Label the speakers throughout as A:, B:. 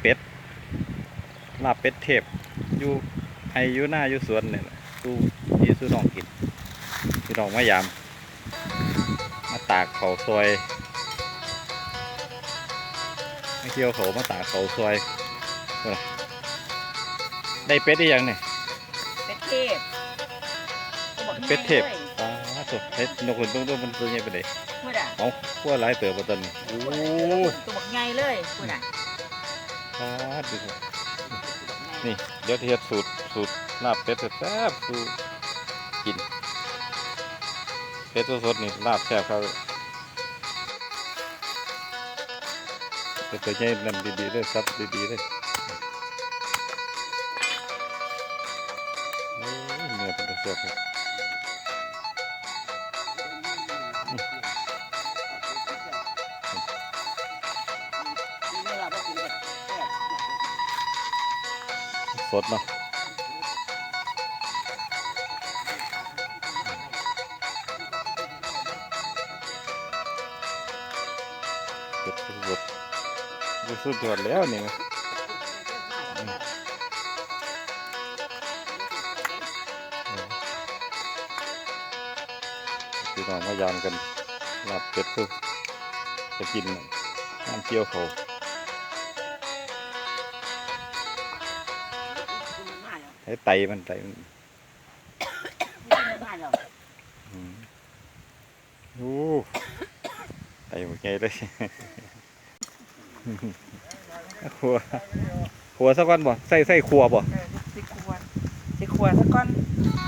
A: เป็ดลาบเป็ดเทพอยู่ให้อยู่หน้าอยู่สวนเนี่ยสู้ที่สู้น้องกินพี่น้องมายามมาตากเขาซอยไม่เที่ยวเขามาตากเขาซอยได้เป็ดได้ยังเนี่ย
B: เป็ดเทพ
A: เป็ดเทพตัวเฮ็ดนกหุ่นตัวมันตัวใหญ่ไปเลย
B: พูดอ่ะ
A: เอาพวกหลายเติบตอนนี้โอ้
B: ตัวบักใหญ่เลยพูดอ่ะ
A: ดูนี่เดี๋ยวเทียบสูตรลาบเป็ดแซ่บสูตรกินเป็ดสดๆนี่ลาบแซ่บเขาเป็ดตัวใหญ่นำดีๆเลยซับดีๆเลยเนื้อเป็นแซ่บเลยสดเนาะเก็บสดดูสุดยอดแล้วนี่พี่น้องมายามกันลาบเป็ดคือจะกินน้ำเจียวเขาให้ไตมันโอ้ไตหมดไงเลยขัวสักก้อนบ่ใส่ขัวบ่
B: ใส่ขัวสักก้อน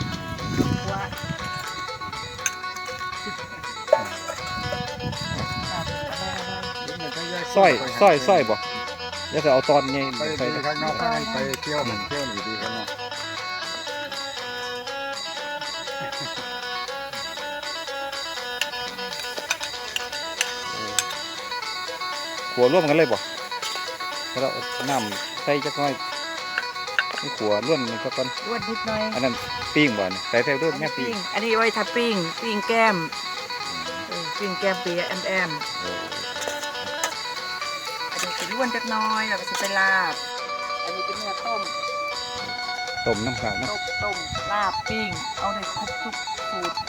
A: ซ้อยบ่เดี๋ยวจะเอาตอนนี้
C: ไปข้างนอกไปเที่ยวหนึ่งดีข้างนอก
A: ขัวร่วมกันเลยบ่แล้วน้ำใส่จักหน่อยนี่ขัวร่วนสักก้อน
B: ร่วนนิดหน่อย
A: อันนั้นปิ้งบ่เนี่ยใส่ร่วนแม่ปิ้ง
B: อันนี้ไว้ทับปิ้งแก้มปิ้งแก้มปีแอมอันนี้จะร่วนจักน้อยแล้วก็จะไปลาบอันนี้เป็นเนื้อต้ม
A: น้ำขาวนะ
B: ต้มลาบปิ้งเอาได้ครบทุกสูตร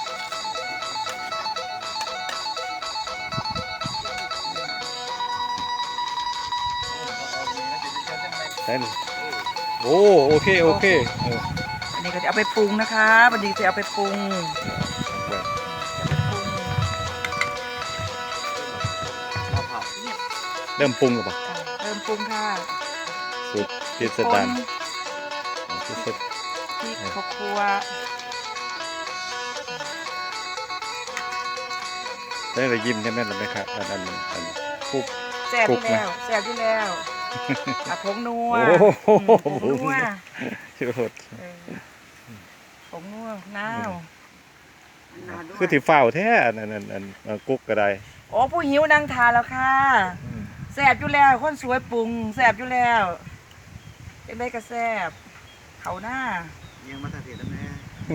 A: ใส่เลยโอเค
B: อันนี้ก็จะเอาไปปรุงนะคะวันนี้จะเอาไปปรุง
A: เริ่มปรุงหรือเปล่า
B: เริ่มปรุงค่ะ
A: สูตรพิสดาร
B: พริกข้าวคั่ว
A: ได้เลยยิ้มใช่ไหมล่ะไหมครับอันคุก
B: แซ่บที่แล้วผงนัว
A: ชิบหด
B: ผงนัวน้าว
A: คือถือฝ้าแท้อันกุ๊กก็ได้
B: โอ้ผู้หิวนางทานแล้วค่ะแซ่บอยู่แล้วคนสวยปรุงแซ่บอยู่แล้วเป็นไรก็แซ่บเขาหน้า
C: ยังมาตัดเสียแล้วแม่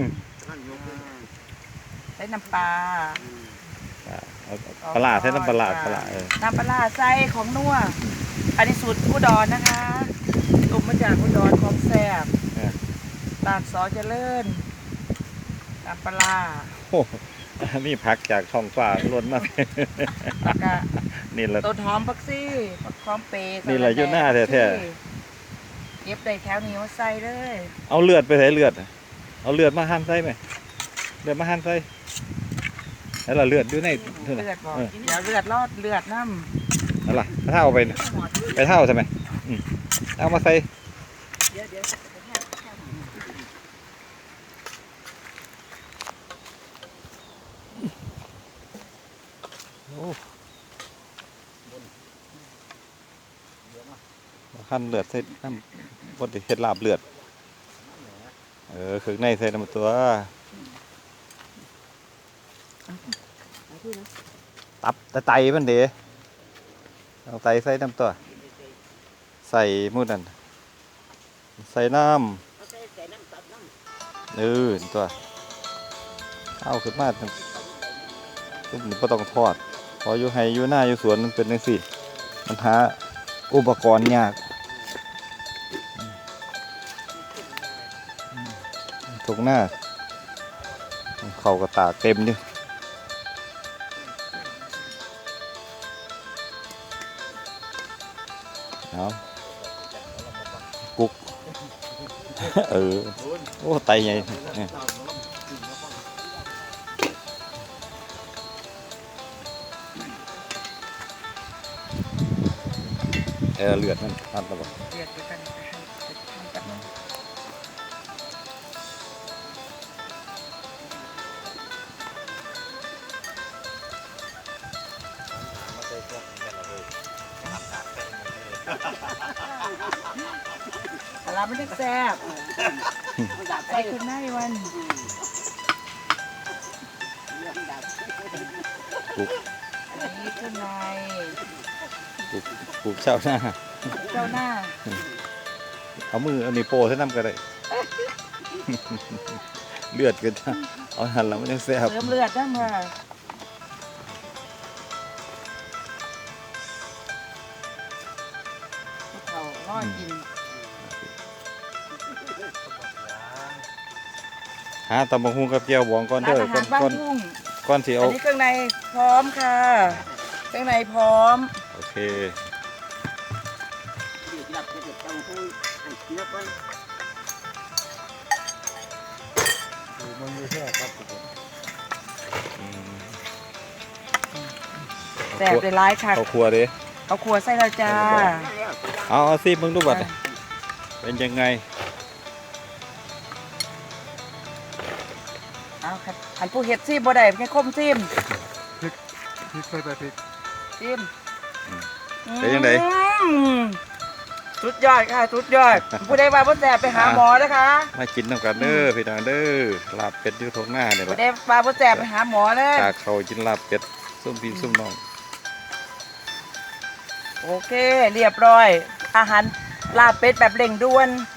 B: ใส่น้ำปลา
A: ปลาใส่น้ำปลา
B: น้ำปลาใส่ของนัวอันนี้สูตรอุดรนะคะตุ่มมาจากอุดรของแซ่บตากซอเจริญน้ำปลา
A: นี่พักจากท้องฟ้าล้นมากนี่แหละ
B: ต้นหอมผักซี่ผักหอมเปย์
A: นี่แหละยุ่หน้าแท้
B: เก็บได้แถวนี้ว่าใส่เลย
A: เอาเลือดไปใส่เลือดเอาเลือดมาหั่นใส่ไหมเลือดมาหั่นใส่แล้วเราเลือดด้วยใน
B: เลือดบอกเดี๋ยวเลือดรอดเลือดน้
A: ำอะไรเท่าไปเท่าใช่ไหมเอามาใส่หั่นเลือดใส่น้ำบดเห็ดลาบเลือดคือในใส่น้ำตัวตับไตมันเด๋เอาไตใส่น้ำตัวใส่มูนั่นใส่น้ำตัวเอาขึ้นมาเป็นไม่ต้องทอดพออยู่ให้อยู่หน้าอยู่สวนมันเป็นจังซี่มันหาอุปกรณ์ยากทุกหน้าเขาก็ตากเต็มอยู่เอากุ๊ก โอ้ไตใหญ่เนี่ยเลือดมันอัดระบบ
B: เรียกด้วยกันทำกันแต่เราไม่ได้แซ่บใส่ขึ้นหน้าวัน
A: กุ๊ก
B: อันนี้ขึ้นใน
A: กุ๊กเช้าหน้า
B: เจ้าหน้า
A: เอามือเอานิ้วโป้ใส่น้ำก็ได้ เลือดก็จะเอาหันแล้วมันยังแซ่บ
B: เติมเลือดได้เมื่อเขาน้อยกิน
A: หาตำบักหุ่งกับเจียวบองก่อน
B: ร้า
A: เด้
B: น
A: อ
B: อาหารบ้านทุ่ง
A: ก่อนสิ
B: อั
A: เอา
B: นนี้เครื่องในพร้อมค่ะ เครื่องในพร้อม
A: โอเคอืม
B: แซ่บเลยร้ายค่ะ
A: เอาครัวดิ
B: เอาครัวใส่แล้วจ้า
A: เอาซิมึงดูบัดเป็นยังไง
B: เอาค่ะอันผู้เห็ดซิมบ่ได้แค่คมซิม
C: พริกใส่ไปพริก
B: ซิม
A: เป็นยังไง
B: อืมสุดยอดค่ะสุดยอด ผู้ใดว่าบ่แซ่บไปหาหมอนะคะ
A: มากินน้ำกันเด้อพี่น้องเด้อลาบเป็ดอยู่ทงหน้าเนี่ย
B: ผู้
A: ละ
B: ใดว่าบ่แซ่บไปหาหมอเลย
A: จากเขากินลาบเป็ดส้มพี่ส้มน้อง
B: โอเค เรียบร้อย อาหารลาบเป็ดแบบเร่งด่วน